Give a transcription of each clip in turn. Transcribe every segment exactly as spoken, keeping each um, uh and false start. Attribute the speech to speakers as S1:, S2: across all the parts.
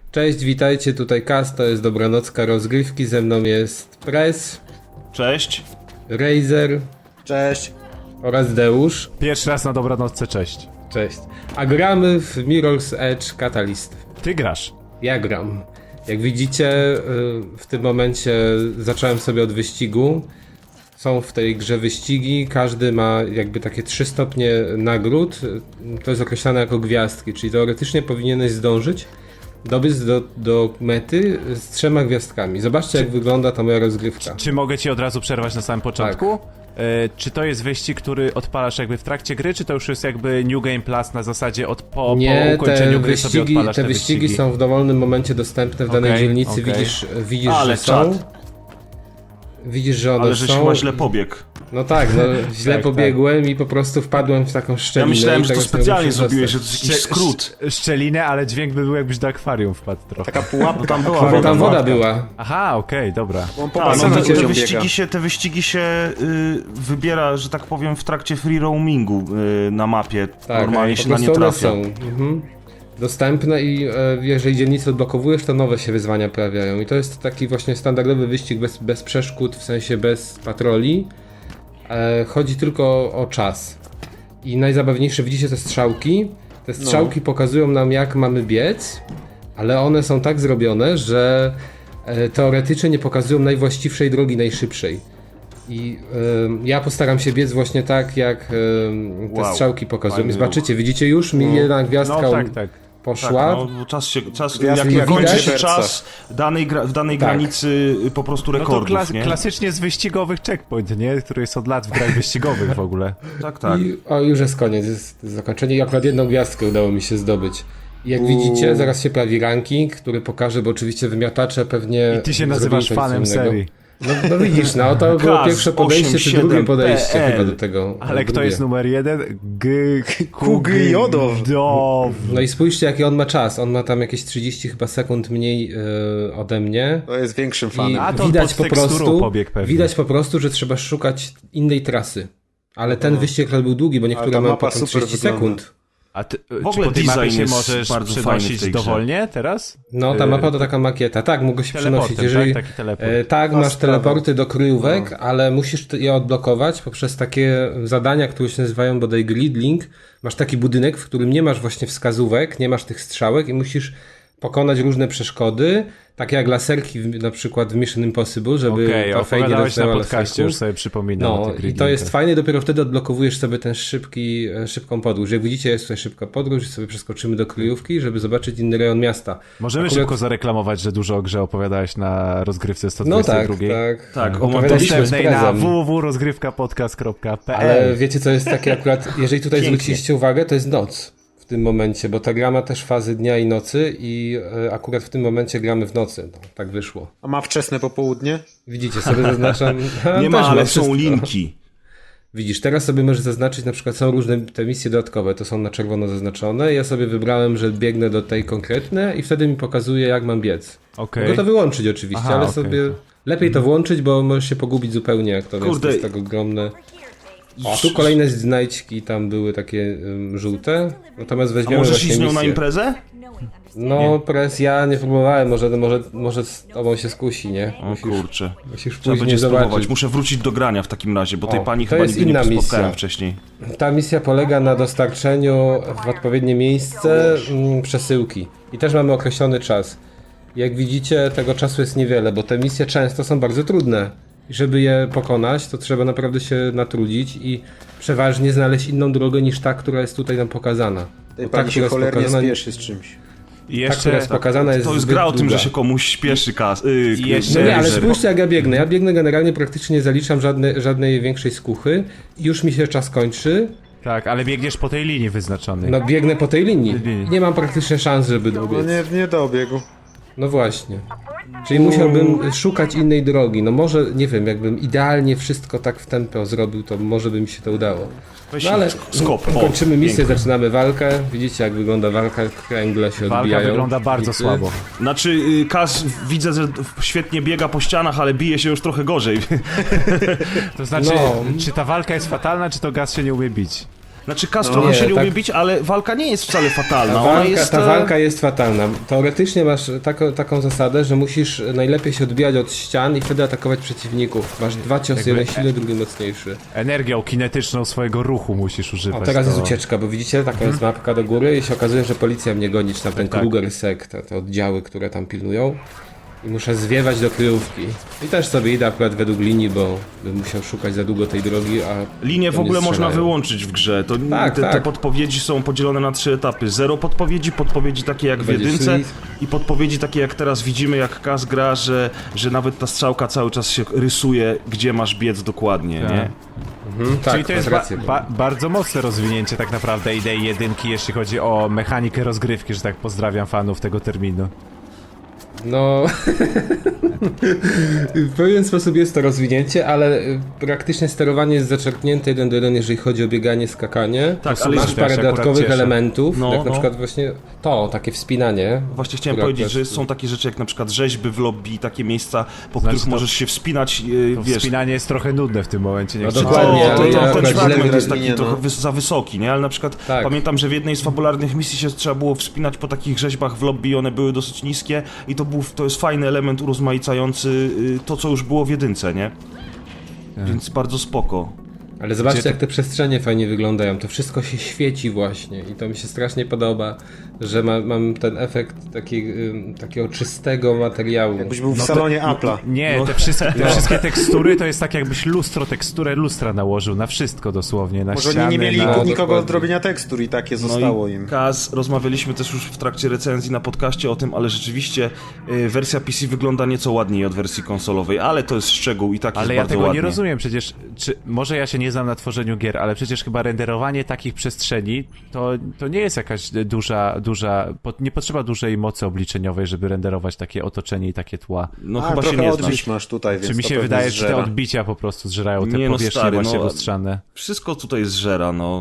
S1: Cześć, witajcie, tutaj Kaz, to jest Dobranocka Rozgrywki, ze mną jest Press,
S2: Cześć.
S1: Razer
S3: Cześć.
S1: oraz Deusz.
S4: Pierwszy raz na dobranocce, cześć.
S1: Cześć. A gramy w Mirror's Edge Catalyst.
S4: Ty grasz.
S1: Ja gram. Jak widzicie, y, w tym momencie zacząłem sobie od wyścigu. Są w tej grze wyścigi, każdy ma jakby takie trzy stopnie nagród. To jest określane jako gwiazdki, czyli teoretycznie powinieneś zdążyć dobiec do, do mety z trzema gwiazdkami. Zobaczcie, jak wygląda ta moja rozgrywka.
S4: Czy mogę ci od razu przerwać na samym początku? E, czy to jest wyścig, który odpalasz jakby w trakcie gry, czy to już jest jakby New Game Plus na zasadzie od po,
S1: Nie,
S4: po ukończeniu
S1: te
S4: gry sobie
S1: wyścigi,
S4: odpalasz
S1: te
S4: te
S1: wyścigi,
S4: wyścigi?
S1: są w dowolnym momencie dostępne w danej
S4: Okej,
S1: dzielnicy,
S4: okej.
S1: widzisz, widzisz
S2: Ale
S1: że są.
S2: czad.
S1: Widzisz, że one
S2: Ale żeś
S1: są.
S2: chyba źle pobiegł.
S1: No tak, no, źle
S4: Tak,
S1: pobiegłem i po prostu wpadłem w taką
S2: Ja
S1: szczelinę.
S2: myślałem,
S1: i
S2: że to
S1: tego sobie
S2: specjalnie
S1: muszę
S2: zrobiłeś, że
S1: dostać.
S2: to jest jakiś skrót.
S4: Sz- szczelinę, ale dźwięk by był jakbyś do akwarium wpadł trochę.
S3: Taka pułapka.
S2: No tam była
S1: Bo
S2: woda.
S1: tam woda
S2: Matka.
S1: była.
S4: Aha, okej, dobra.
S3: On po
S2: A, no
S3: basenie
S2: te,
S1: widzicie,
S2: te,
S3: biega.
S2: wyścigi się, te wyścigi się y, wybiera, że tak powiem, w trakcie free roamingu y, na mapie.
S1: Tak,
S2: Normalnie
S1: po
S2: się na nie
S1: prostu one
S2: trafia.
S1: są mhm. dostępne i e, jeżeli dzielnicę odblokowujesz, to nowe się wyzwania pojawiają. I to jest taki właśnie standardowy wyścig bez, bez przeszkód, w sensie bez patroli. E, chodzi tylko o, o czas. I najzabawniejsze, widzicie te strzałki? Te strzałki pokazują nam, jak mamy biec, ale one są tak zrobione, że e, teoretycznie nie pokazują najwłaściwszej drogi, najszybszej. I e, ja postaram się biec właśnie tak, jak e, te
S2: Wow,
S1: strzałki pokazują. I
S2: fajny
S1: zobaczycie, widzicie już, mi jedna gwiazdka
S4: No tak, tak.
S2: Tak,
S1: poszła.
S2: no, bo czas się, czas,
S3: Gwiazdki
S2: jak
S1: widać.
S2: kończy się
S3: Serca.
S2: czas danej gra, w danej
S1: Tak.
S2: granicy y, po prostu
S4: No to
S2: rekordów,
S4: klas
S2: nie?
S4: klasycznie z wyścigowych checkpoint, nie? Który jest od lat w grach wyścigowych w ogóle.
S2: Tak, tak.
S1: I, o, już jest koniec, jest zakończenie i akurat jedną gwiazdkę udało mi się zdobyć. I jak widzicie, zaraz się pojawi ranking, który pokaże, bo oczywiście wymiatacze pewnie...
S4: I ty się
S1: zrobili
S4: nazywasz
S1: coś
S4: fanem
S1: innego.
S4: serii.
S1: No, no widzisz, no to było
S2: Kaz
S1: pierwsze podejście, czy
S2: osiemdziesiąt
S1: drugie
S2: siedem
S1: podejście
S2: P L.
S1: chyba do tego.
S4: Ale kto
S1: drugie.
S4: jest numer jeden? G...
S3: Kugyjodow.
S4: Dow.
S1: No i spójrzcie, jaki on ma czas. On ma tam jakieś trzydzieści chyba sekund mniej yy, ode mnie.
S3: To jest większym
S1: I
S3: fanem.
S4: A to on
S1: widać
S4: pod
S1: po
S4: teksturą
S1: prostu,
S4: pobiegł pewnie.
S1: widać po prostu, że trzeba szukać innej trasy. Ale ten wyścig akurat był długi, bo niektóre
S3: ta
S1: mają
S3: mapa
S1: potem
S3: super
S1: trzydzieści
S3: wygląda.
S1: sekund.
S4: A ty,
S2: W ogóle
S4: czy po tej mapie
S2: design
S4: się
S2: jest
S4: możesz
S2: bardzo fajny w
S4: przenosić
S2: tej grze.
S4: dowolnie teraz?
S1: No, ta
S4: Yy,
S1: mapa to taka makieta. Tak, mogę się przenosić.
S4: Teleportem,
S1: Jeżeli,
S4: tak? Taki teleport.
S1: e, tak, masz
S3: sprawa.
S1: teleporty do kryjówek, ale musisz je odblokować poprzez takie zadania, które się nazywają bodaj grid link. Masz taki budynek, w którym nie masz właśnie wskazówek, nie masz tych strzałek i musisz pokonać różne przeszkody, takie jak laserki w, na przykład w Mission Impossible, żeby
S4: Okej,
S1: ta fej nie
S4: opowiadałeś na
S1: dotknęła
S4: podcaście,
S1: laserków.
S4: już sobie przypominam o
S1: No
S4: tych
S1: i to
S4: gridlinkach.
S1: jest fajne, dopiero wtedy odblokowujesz sobie ten szybki, e, szybką podróż. Jak widzicie, jest tutaj szybka podróż i sobie przeskoczymy do kryjówki, żeby zobaczyć inny rejon miasta.
S4: Możemy
S1: Akurat-
S4: szybko zareklamować, że dużo o grze opowiadałeś na rozgrywce sto
S1: No
S4: dwadzieścia
S1: tak,
S4: dwa.
S1: tak.
S2: Tak,
S1: Opowiadaliśmy z
S4: Dostępnej na
S1: prezem.
S4: w w w kropka rozgrywkapodcast kropka p
S1: Ale
S4: l.
S1: wiecie co jest takie akurat, jeżeli tutaj
S2: Pięknie.
S1: zwróciliście uwagę, to jest noc w tym momencie, bo ta gra ma też fazy dnia i nocy i e, akurat w tym momencie gramy w nocy. No, tak wyszło.
S3: A ma wczesne popołudnie?
S1: Widzicie, sobie zaznaczam. Ha,
S2: Nie
S1: też
S2: ma, ale są
S1: wszystko.
S2: linki.
S1: Widzisz, teraz sobie możesz zaznaczyć, na przykład są różne te misje dodatkowe, to są na czerwono zaznaczone. Ja sobie wybrałem, że biegnę do tej konkretnej i wtedy mi pokazuje, jak mam biec.
S4: Okej.
S1: Mogę to wyłączyć oczywiście,
S4: Aha,
S1: ale
S4: okej.
S1: sobie lepiej to włączyć, bo możesz się pogubić zupełnie, jak to
S2: Kurde.
S1: jest, jest tak ogromne. O, a tu kolejne znajdźki tam były takie um, żółte, natomiast
S2: A
S1: weźmiemy
S2: możesz
S1: właśnie
S2: iść z nią na
S1: misję.
S2: imprezę?
S1: No, pres, ja nie próbowałem, może, może, może z tobą się skusi, nie?
S2: O
S1: Musisz,
S2: kurczę.
S1: musisz
S2: Trzeba
S1: później
S2: będzie spróbować.
S1: zobaczyć.
S2: Muszę wrócić do grania w takim razie, bo tej
S1: O,
S2: pani
S1: to
S2: chyba
S1: jest
S2: nigdy
S1: inna
S2: nie spotkałem
S1: misja.
S2: wcześniej.
S1: Ta misja polega na dostarczeniu w odpowiednie miejsce mm, przesyłki. I też mamy określony czas. Jak widzicie, tego czasu jest niewiele, bo te misje często są bardzo trudne. I żeby je pokonać, to trzeba naprawdę się natrudzić i przeważnie znaleźć inną drogę niż ta, która jest tutaj nam pokazana.
S3: Tej
S1: Bo ta,
S3: pani się
S1: która jest
S3: cholernie
S1: pokazana,
S3: spieszy z czymś.
S4: I
S1: ta, która
S4: jeszcze...
S1: jest pokazana jest
S2: To jest
S1: zbyt
S2: gra o tym,
S1: długa.
S2: że się komuś śpieszy kas. Yy,
S4: I jeszcze-
S1: No nie, ale
S4: Razer.
S1: spójrzcie jak ja biegnę. Ja biegnę generalnie praktycznie nie zaliczam żadne, żadnej większej skuchy. I już mi się czas kończy.
S4: Tak, ale biegniesz po tej linii wyznaczonej.
S1: No biegnę po tej linii.
S4: Linii.
S1: Nie mam praktycznie szans, żeby
S3: No
S1: dobiec.
S3: nie, nie dobiegł.
S1: No właśnie. Czyli musiałbym szukać innej drogi. No może, nie wiem, jakbym idealnie wszystko tak w tempo zrobił, to może by mi się to udało.
S2: Weź
S1: No ale
S2: skop. O,
S1: kończymy misję,
S2: pięknie.
S1: zaczynamy walkę. Widzicie jak wygląda walka, kręgle się
S4: Walka
S1: odbijają.
S4: wygląda bardzo
S1: Nicy.
S4: słabo.
S2: Znaczy, y, Kaz widzę, że świetnie biega po ścianach, ale bije się już trochę gorzej.
S4: To znaczy,
S1: No.
S4: czy ta walka jest fatalna, czy to Gaz się nie umie bić?
S2: Znaczy Kaz
S3: No
S2: trochę
S1: nie,
S2: się nie
S1: tak-
S2: umie bić, ale walka nie jest wcale fatalna.
S1: Ta
S2: Ona
S1: walka,
S2: jest...
S1: ta
S2: e,
S1: walka jest fatalna. Teoretycznie masz taką, taką zasadę, że musisz najlepiej się odbijać od ścian i wtedy atakować przeciwników. Masz dwa ciosy,
S4: Jakby-
S1: jeden silny, drugi mocniejszy.
S4: Energią kinetyczną swojego ruchu musisz używać.
S1: O, teraz
S4: to...
S1: jest ucieczka, bo widzicie, taka jest mapka do góry i się okazuje, że policja mnie goni, czy tam ten
S4: tak.
S1: Kruger Sek, te, te oddziały, które tam pilnują. I muszę zwiewać do kryjówki. I też sobie idę akurat według linii, bo bym musiał szukać za długo tej drogi, a...
S2: Linię w
S1: to nie
S2: ogóle można
S1: strzelają.
S2: wyłączyć w grze. To,
S1: Tak,
S2: te, te
S1: tak.
S2: podpowiedzi są podzielone na trzy etapy. Zero podpowiedzi, podpowiedzi takie jak w
S1: Będzie
S2: jedynce
S1: szli.
S2: i podpowiedzi takie jak teraz widzimy, jak Kaz gra, że, że nawet ta strzałka cały czas się rysuje, gdzie masz biec dokładnie,
S4: Tak.
S2: nie?
S1: Mhm, tak,
S4: Czyli to jest
S1: masz
S4: ba
S1: rację, bo-
S4: ba bardzo mocne rozwinięcie tak naprawdę idei jedynki, jeśli chodzi o mechanikę rozgrywki, że tak pozdrawiam fanów tego terminu.
S1: No, w pewien sposób jest to rozwinięcie, ale y, praktycznie sterowanie jest zaczerpnięte jeden do jeden, jeżeli chodzi o bieganie, skakanie.
S2: Tak, ale
S1: Masz
S2: jest-
S1: parę
S4: ja się akurat
S1: dodatkowych
S4: cieszę.
S1: elementów,
S2: No,
S1: jak na
S2: no.
S1: przykład właśnie to, takie wspinanie.
S2: Właśnie chciałem
S1: które
S2: powiedzieć,
S1: akurat-
S2: że są takie rzeczy jak na przykład rzeźby w lobby, takie miejsca, po
S4: Znaczy
S2: których
S4: to-
S2: możesz się wspinać, yy,
S4: To
S2: wiesz...
S4: wspinanie jest trochę nudne w tym momencie, nie
S1: No
S4: chcę-
S1: dokładnie,
S2: to,
S1: ale
S2: to,
S1: ja
S2: to, ten
S1: akurat źle
S2: fragment jest
S3: wyraźnie,
S2: taki
S3: no.
S2: trochę wys za wysoki, nie? Ale na przykład
S1: Tak.
S2: pamiętam, że w jednej z fabularnych misji się trzeba było wspinać po takich rzeźbach w lobby i one były dosyć niskie i to, był, to jest fajny element urozmaicający y, to, co już było w jedynce, nie? Więc bardzo spoko.
S1: Ale zobaczcie,
S4: Gdzie to-
S1: jak te przestrzenie fajnie wyglądają. To wszystko się świeci właśnie i to mi się strasznie podoba, że ma, mam ten efekt taki, ym, takiego czystego materiału.
S3: Jakbyś był w salonie Apple'a.
S4: Nie, te, wszystkie, te wszystkie tekstury to jest tak jakbyś lustro, teksturę lustra nałożył na wszystko dosłownie, na
S3: Może
S4: ściany,
S3: oni nie mieli
S4: na...
S1: No,
S3: nikogo
S1: dokładnie.
S3: od robienia tekstur i takie zostało
S2: no i
S3: im.
S2: Kaz, rozmawialiśmy też już w trakcie recenzji na podcaście o tym, ale rzeczywiście y, wersja P C wygląda nieco ładniej od wersji konsolowej, ale to jest szczegół i tak
S4: Ale
S2: jest
S4: ja
S2: bardzo
S4: tego
S2: ładnie.
S4: nie rozumiem, przecież, czy, może ja się nie znam na tworzeniu gier, ale przecież chyba renderowanie takich przestrzeni to, to nie jest jakaś duża, duża, po, nie potrzeba dużej mocy obliczeniowej, żeby renderować takie otoczenie i takie tła.
S2: No
S3: A,
S2: chyba się
S3: trochę
S2: nie
S3: odbić
S2: znasz.
S3: masz tutaj, więc
S4: Czy mi
S3: to
S4: się
S3: pewnie
S4: wydaje, że te
S3: zżera.
S4: odbicia po prostu zżerają te
S2: Nie, no
S4: powierzchnie
S2: stary,
S4: właśnie
S2: no,
S4: lustrzane.
S2: Wszystko tutaj zżera, no.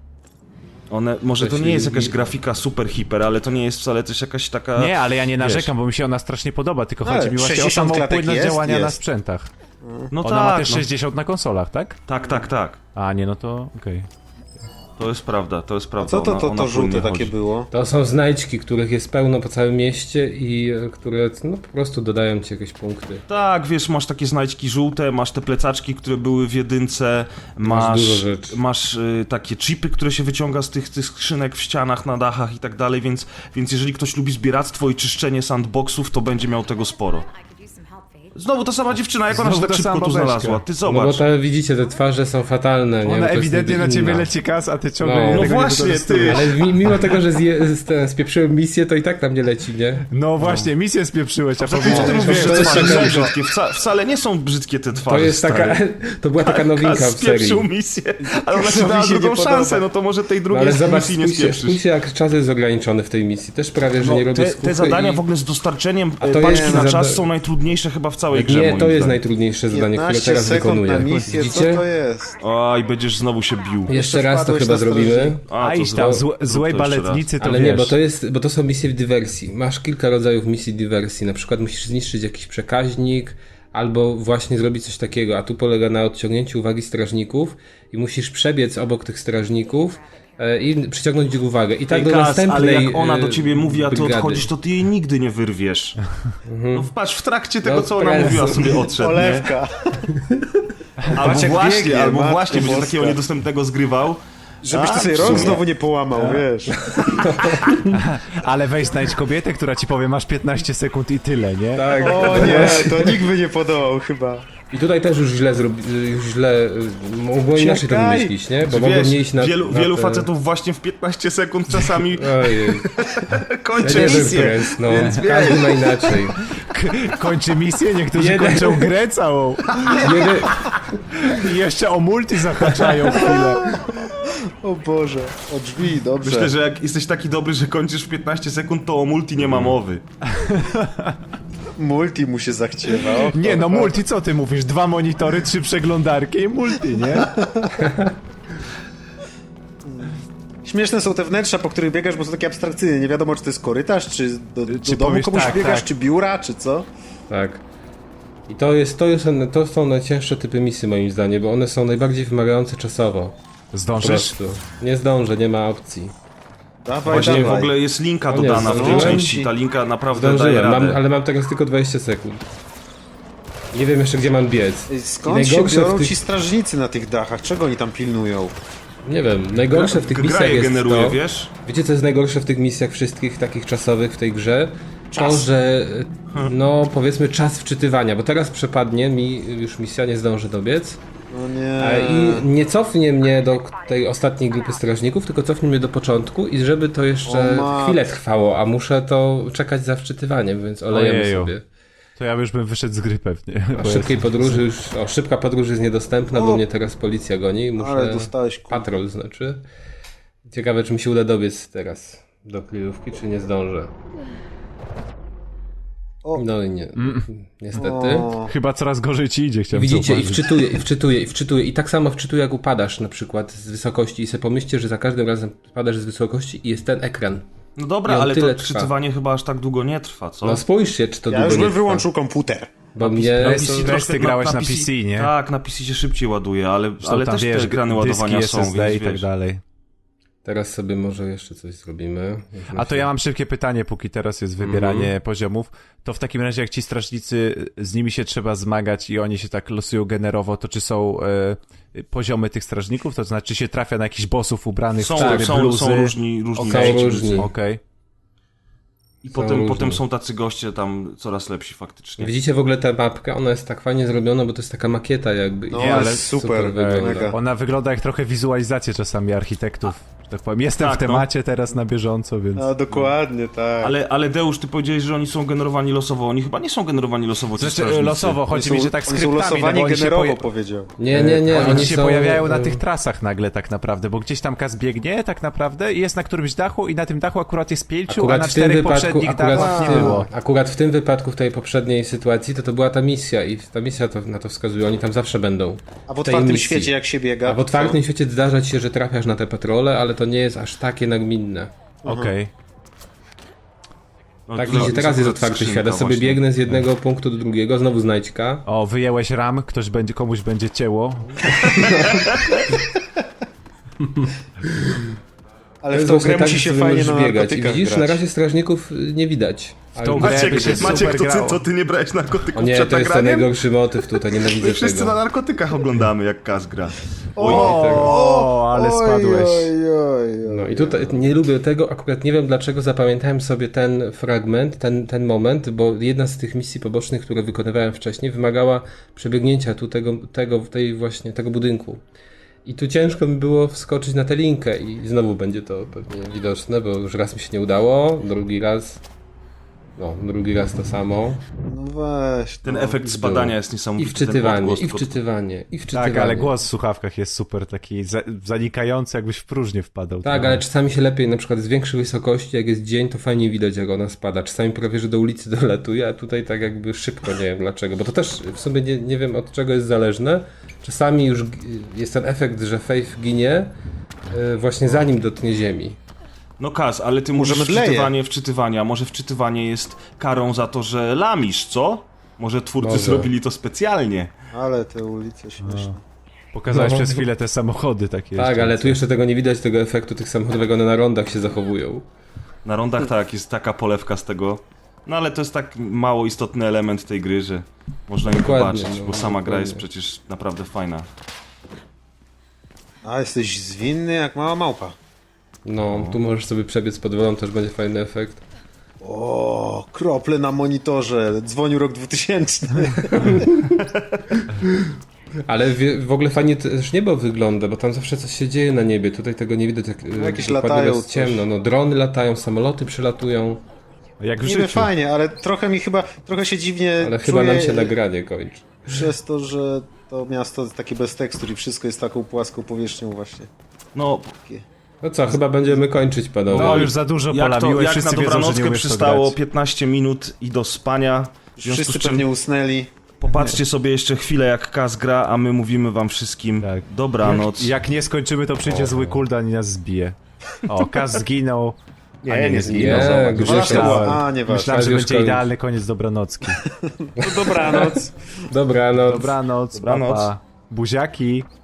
S2: One, może to
S1: Coś
S2: nie jest
S1: i-
S2: jakaś grafika super hiper, ale to nie jest wcale też jakaś taka...
S4: Nie, ale ja nie
S2: wiesz.
S4: narzekam, bo mi się ona strasznie podoba, tylko
S3: Ale
S4: chodzi mi właśnie o
S3: sześćdziesiąt
S4: samą
S3: klatek
S4: płynność
S3: jest?
S4: działania na
S3: Jest.
S4: sprzętach.
S2: No
S4: Ona
S2: tak,
S4: ma też
S2: no.
S4: sześćdziesiąt na konsolach, tak?
S2: tak, tak, tak.
S4: A, nie, no to okej.
S2: To jest prawda, to jest prawda.
S3: Co to,
S2: ona-
S3: to,
S2: ona
S3: to żółte
S2: płynnie
S3: takie
S2: chodzi.
S3: było?
S1: To są znajdźki, których jest pełno po całym mieście i e, które no, po prostu dodają ci jakieś punkty.
S2: Tak, wiesz, masz takie znajdźki żółte, masz te plecaczki, które były w jedynce, masz,
S1: dużo rzeczy.
S2: masz y, takie chipy, które się wyciąga z tych, tych skrzynek w ścianach, na dachach i tak dalej, więc, więc jeżeli ktoś lubi zbieractwo i czyszczenie sandboxów, to będzie miał tego sporo. Znowu ta sama dziewczyna, jak ona się
S4: Znowu
S2: tak
S4: ta
S2: szybko
S4: sama
S2: tu
S4: babeczka.
S2: znalazła? Ty
S1: No bo
S2: zobacz.
S1: te, widzicie, te twarze są fatalne. nie?
S4: Ona
S1: To jest
S4: ewidentnie
S1: niby
S4: na ciebie
S1: inna.
S4: leci kas, a ty ciągle
S1: No.
S4: tego
S1: No
S4: nie
S2: właśnie,
S4: wykorzystujesz.
S2: ty.
S1: Ale mi, mimo tego, że zje, z, ten, spieprzyłem misję, to i tak tam nie leci, nie?
S4: No właśnie, misję spieprzyłeś, a
S2: Ty
S4: powiedziałeś,
S2: ty
S1: No,
S2: mówisz,
S1: to
S2: że te
S1: jest
S2: twarze są
S1: taka-
S2: brzydkie. Wca, wcale nie są brzydkie te
S1: To
S2: twarze,
S1: jest taka,
S2: stary.
S1: to była taka nowinka
S2: Kaz
S1: w serii.
S2: spieprzył misję, ale ona ci
S3: mi
S2: dała
S3: się
S2: drugą
S3: nie podoba.
S2: szansę, no to może tej
S1: No
S2: drugiej
S1: ale zobacz,
S2: misji nie
S1: spójrzcie,
S2: spieprzysz.
S1: spójrzcie jak czas jest ograniczony w tej misji. Też prawie, że
S2: No,
S1: nie robię
S2: te,
S1: skupy
S2: te zadania
S1: i...
S2: w ogóle z dostarczeniem
S1: A to
S2: e, paczki
S1: jest
S2: na
S1: zada-
S2: czas są najtrudniejsze chyba w całej grze,
S1: Nie,
S2: moim
S1: to jest
S2: zdaniem.
S1: najtrudniejsze zadanie, które
S3: piętnaście
S1: teraz
S3: sekund
S1: wykonuję.
S3: na misję, co
S1: Widzicie?
S3: to jest?
S2: Oj, będziesz znowu się bił.
S1: Jeszcze raz to
S3: wpadłeś
S1: chyba
S3: na
S1: zrobimy.
S3: strażnika.
S2: A,
S4: A
S2: to
S4: iść tam,
S2: zrób-
S4: złe,
S2: zrób
S4: złej
S2: to jeszcze raz.
S4: baletnicy to
S1: Ale
S4: wiesz.
S1: nie, bo to jest, bo to są misje w dywersji. Masz kilka rodzajów misji dywersji. Na przykład musisz zniszczyć jakiś przekaźnik, albo właśnie zrobić coś takiego, a tu polega na odciągnięciu uwagi strażników i musisz przebiec obok tych strażników e, i przyciągnąć ich uwagę. I tak
S2: Ej,
S1: do
S2: Kaz,
S1: następnej
S2: ale jak ona do
S1: e,
S2: ciebie mówi, a ty
S1: brygady.
S2: odchodzisz, to ty jej nigdy nie wyrwiesz. No patrz, w trakcie tego,
S1: No,
S2: co ona
S1: prezu.
S2: mówiła, sobie odszedł, nie?
S3: Olewka.
S2: Albo
S3: Patrz, jak
S2: właśnie,
S3: biegnie,
S2: albo
S3: Matko
S2: właśnie będzie
S3: Boska.
S2: takiego niedostępnego zgrywał.
S3: Żebyś
S2: A,
S3: ty sobie
S2: w
S3: rąk
S2: sumie.
S3: znowu nie połamał, wiesz.
S4: Ale weź znajdź kobietę, która ci powie, masz piętnaście sekund i tyle, nie?
S1: Tak.
S3: O nie, to nikt by nie podołał chyba.
S1: I tutaj też już źle zrobi, już źle, y, mogło inaczej to
S3: Czekaj.
S1: wymyślić, nie? Bo
S2: Wiesz,
S1: mogłem nie iść na...
S2: wielu,
S1: na
S2: wielu
S1: te...
S2: facetów właśnie w piętnaście sekund czasami
S1: Ojej,
S2: kończy
S1: ja nie wiem,
S2: misję.
S1: który jest, no,
S2: Więc wiesz.
S1: każdy ma inaczej.
S4: K- kończy misję, niektórzy
S1: Jeden.
S4: kończą grę całą.
S1: Jeden,
S4: I jeszcze o multi zahaczają chwilę.
S3: O Boże, o drzwi, dobrze.
S2: Myślę, że jak jesteś taki dobry, że kończysz w piętnaście sekund, to o multi nie ma mowy.
S3: Multi mu się zachciewa. O,
S4: Nie, no
S3: o,
S4: multi, co ty mówisz? Dwa monitory, trzy przeglądarki i multi, nie?
S3: Śmieszne są te wnętrza, po których biegasz, bo są takie abstrakcyjne. Nie wiadomo, czy to jest korytarz, czy do, do
S4: Czy
S3: domu
S4: powiesz
S3: komuś
S4: tak,
S3: biegasz,
S4: tak.
S3: czy biura, czy co.
S1: tak. I to jest, to jest, to są najcięższe typy misji moim zdaniem, bo one są najbardziej wymagające czasowo. Po
S4: Zdążysz?
S1: prostu. Nie zdążę, nie ma opcji.
S3: Dawaj,
S2: Właśnie w
S3: dawaj.
S2: ogóle jest linka
S1: O nie,
S2: dodana w tej
S1: zdążyłem
S2: części, ta linka naprawdę daje
S1: Zdążyłem,
S2: radę.
S1: mam, ale mam teraz tylko dwadzieścia sekund. Nie wiem jeszcze, gdzie mam biec.
S3: Ej,
S1: I
S3: skąd się
S1: najgorsze
S3: biorą
S1: w tych...
S3: ci strażnicy na tych dachach? Czego oni tam pilnują?
S1: Nie wiem, najgorsze w tych
S2: Gra
S1: misjach
S2: je
S1: jest
S2: generuje,
S1: to...
S2: wiesz?
S1: Wiecie, co jest najgorsze w tych misjach wszystkich takich czasowych w tej grze? To,
S3: Czas.
S1: że no powiedzmy czas wczytywania, bo teraz przepadnie mi, już misja nie zdąży dobiec
S3: No nie.
S1: e, i nie cofnie mnie do tej ostatniej grupy strażników, tylko cofnie mnie do początku i żeby to jeszcze
S3: O mat-
S1: chwilę trwało, a muszę to czekać za wczytywaniem, więc olejemy
S4: Ojeju.
S1: sobie.
S4: To ja już bym wyszedł z gry pewnie.
S1: A
S4: bo
S1: szybkiej
S4: jest-
S1: podróży już, o szybka podróż jest niedostępna,
S3: O.
S1: bo mnie teraz policja goni, muszę...
S3: Ale dostałeś ku...
S1: Patrol znaczy. Ciekawe, czy mi się uda dobiec teraz do kryjówki, czy nie zdążę.
S3: O.
S1: No i nie. Niestety.
S3: O.
S4: Chyba coraz gorzej ci idzie, chciałem
S1: Widzicie, i
S4: zauważyć.
S1: wczytuje, i wczytuje, i wczytuje. I tak samo wczytuje, jak upadasz na przykład z wysokości. I sobie pomyślcie, że za każdym razem spadasz z wysokości i jest ten ekran.
S2: No dobra,
S1: I on
S2: ale to
S1: tyle trwa.
S2: czytywanie chyba aż tak długo nie trwa, co?
S1: No spójrzcie, czy to
S3: Ja
S1: długo
S3: już
S1: nie
S3: bym
S1: trwa.
S3: wyłączył komputer.
S1: Bo
S2: Na
S1: mnie...
S2: P C
S4: Weź- weź
S2: troszkę
S4: ty grałeś na P C, nie?
S2: Tak, na P C się szybciej ładuje, ale,
S4: Zresztą
S2: ale
S4: tam,
S2: też
S4: wiesz,
S2: te ekrany
S4: dyski
S2: ładowania są,
S4: S S D
S2: więc
S4: i tak
S2: wiesz.
S4: dalej.
S1: Teraz sobie może jeszcze coś zrobimy.
S4: A to ja mam szybkie pytanie, póki teraz jest wybieranie
S1: Mhm.
S4: poziomów. To w takim razie, jak ci strażnicy, z nimi się trzeba zmagać i oni się tak losują generowo, to czy są e, poziomy tych strażników? To znaczy, czy się trafia na jakichś bossów ubranych
S2: Są,
S4: w cztery
S2: są,
S4: bluzy?
S2: są różni, różni
S1: Są
S2: przeciwnicy.
S1: różni.
S4: Okej.
S2: I
S1: Są
S2: potem,
S1: różni.
S2: potem są tacy goście tam coraz lepsi faktycznie.
S1: Widzicie w ogóle tę mapkę? Ona jest tak fajnie zrobiona, bo to jest taka makieta jakby.
S3: No,
S1: I
S4: ale
S3: super,
S1: wygląda.
S3: mega.
S4: Ona wygląda jak trochę wizualizacje czasami architektów. Że tak powiem. Jestem
S2: Tak,
S4: w temacie teraz na bieżąco, więc...
S3: A dokładnie, tak.
S2: Ale, ale Deusz, ty powiedziałeś, że oni są generowani losowo. Oni chyba nie są generowani losowo, ci
S4: Znaczy,
S2: strażnicy.
S4: losowo,
S3: Oni
S4: chodzi
S3: są,
S4: mi, że tak
S3: oni są
S4: skryptami, no
S3: losowani
S4: bo oni się,
S3: generowo,
S4: poja-
S3: powiedział.
S1: Nie, nie, nie.
S4: oni się
S1: są,
S4: pojawiają na
S1: e,
S4: tych trasach nagle tak naprawdę, bo gdzieś tam Kaz biegnie tak naprawdę i jest na którymś dachu i na tym dachu akurat jest pięciu, a
S1: Akurat
S4: na
S1: w tym
S4: czterech
S1: wypadku,
S4: poprzednich
S1: akurat
S4: dachach
S1: w,
S4: nie
S1: tym,
S4: było.
S1: akurat w tym wypadku, w tej poprzedniej sytuacji, to to była ta misja i ta misja to, na to wskazuje, oni tam zawsze będą.
S3: A w
S1: tej
S3: otwartym
S1: misji.
S3: świecie jak się biega?
S1: A w otwartym świecie zdarza ci się, że trafiasz na te patrole, ale to nie jest aż takie nagminne.
S4: Okej.
S2: No,
S1: Tak,
S2: tutaj
S1: widzicie, teraz jest otwarty
S2: skrzynka
S1: świat, ja sobie
S2: właśnie.
S1: biegnę z jednego punktu do drugiego, znowu znajdźka.
S4: O, wyjęłeś ram, ktoś będzie, komuś będzie cięło.
S3: Ale
S1: To
S3: w
S1: jest
S3: tą
S1: właśnie
S3: grę
S1: tak,
S3: musi
S1: że
S3: się
S1: ty
S3: fajnie
S1: możesz
S3: na
S1: biegać. I
S3: narkotykach
S1: widzisz,
S3: grać.
S1: na razie strażników y, nie widać. Ale
S4: tą
S1: już-
S4: grę
S2: Maciek,
S4: by się
S2: Maciek
S4: super
S2: to, ty,
S4: grało.
S2: to ty nie brałeś narkotyków
S1: O nie,
S2: przed
S1: to jest ten
S2: nagraniem?
S1: najgorszy motyw tutaj, nienawidzę
S2: My wszyscy na
S1: tego.
S2: narkotykach oglądamy, jak Kaz gra.
S4: O, ale spadłeś.
S3: Oj, oj, oj,
S1: No i tutaj nie lubię tego, akurat nie wiem dlaczego zapamiętałem sobie ten fragment, ten, ten moment, bo jedna z tych misji pobocznych, które wykonywałem wcześniej, wymagała przebiegnięcia tu tego, tego, tej właśnie, tego budynku. I tu ciężko mi było wskoczyć na tę linkę i znowu będzie to pewnie widoczne, bo już raz mi się nie udało, drugi raz, no drugi raz to samo.
S3: No weź.
S2: Ten
S3: no.
S2: efekt spadania jest
S1: I
S2: niesamowity.
S1: wczytywanie,
S2: ten odgłos
S1: i
S2: tylko-
S1: wczytywanie, i wczytywanie.
S4: Tak, ale głos w słuchawkach jest super taki za, zanikający, jakbyś w próżnię wpadał.
S1: Tak, ale czasami się lepiej, na przykład z większej wysokości, jak jest dzień, to fajnie widać, jak ona spada. Czasami prawie, że do ulicy dolatuje, a tutaj tak jakby szybko, nie wiem dlaczego. Bo to też w sumie nie, nie wiem, od czego jest zależne. Czasami już g- jest ten efekt, że Faith ginie yy, właśnie zanim dotknie ziemi.
S2: No Kaz, ale ty mówisz
S3: Może mdleje.
S2: wczytywanie, wczytywania. Może wczytywanie jest karą za to, że lamisz, co? Może twórcy
S1: Może.
S2: zrobili to specjalnie.
S3: Ale te ulice śmieszne.
S4: Pokazałeś
S1: No.
S4: przez chwilę te samochody takie
S1: Tak,
S4: jeszcze.
S1: ale tu jeszcze tego nie widać, tego efektu tych samochodów, jak one na rondach się zachowują.
S2: Na rondach tak, jest taka polewka z tego. No ale to jest tak mało istotny element tej gry, że można ją
S1: Dokładnie,
S2: zobaczyć,
S1: no,
S2: bo sama gra jest
S1: dokładnie.
S2: przecież naprawdę fajna.
S3: A jesteś zwinny jak mała małpa.
S1: No, tu możesz sobie przebiec pod wodą, też będzie fajny efekt.
S3: O, krople na monitorze. Dzwonił rok dwutysięczny.
S1: Ale wie, w ogóle fajnie też niebo wygląda, bo tam zawsze coś się dzieje na niebie. Tutaj tego nie widać, jak
S3: jakieś
S1: dokładnie
S3: latają
S1: jest
S3: coś.
S1: ciemno. No, drony latają, samoloty przylatują,
S4: Jak w
S3: Niby
S4: życiu.
S3: fajnie, ale trochę mi chyba, trochę się dziwnie
S1: ale
S3: czuję
S1: chyba nam się nagranie kończy.
S3: przez to, że to miasto jest takie bez tekstur i wszystko jest taką płaską powierzchnią właśnie.
S2: No,
S3: Takie.
S1: No co, chyba będziemy kończyć, panowie.
S4: No już za dużo
S2: jak, to,
S4: polamiłeś,
S2: jak na
S4: wszyscy wiedzą, że nie
S2: dobranockę
S4: umiesz to
S2: przystało
S4: grać.
S2: piętnaście minut i do spania. W związku
S3: Wszyscy
S2: z czym
S3: pewnie usnęli.
S2: popatrzcie sobie jeszcze chwilę jak Kaz gra, a my mówimy wam wszystkim
S4: Tak.
S2: dobranoc.
S4: Jak, jak nie skończymy, to przyjdzie zły kuldan i nas zbije. O, Kaz zginął.
S3: Nie,
S4: A nie,
S3: nie,
S4: nie
S3: zginął.
S1: Nie,
S3: zobacz.
S1: Grzesiek.
S3: Dwa słowa.
S4: Myślałem,
S3: A, nieważne.
S4: myślałem, że
S1: już
S4: będzie
S1: koniec.
S4: idealny koniec dobranocki.
S3: No dobranoc.
S1: Dobranoc.
S4: Dobranoc,
S2: Dobranoc.
S4: papa. Buziaki.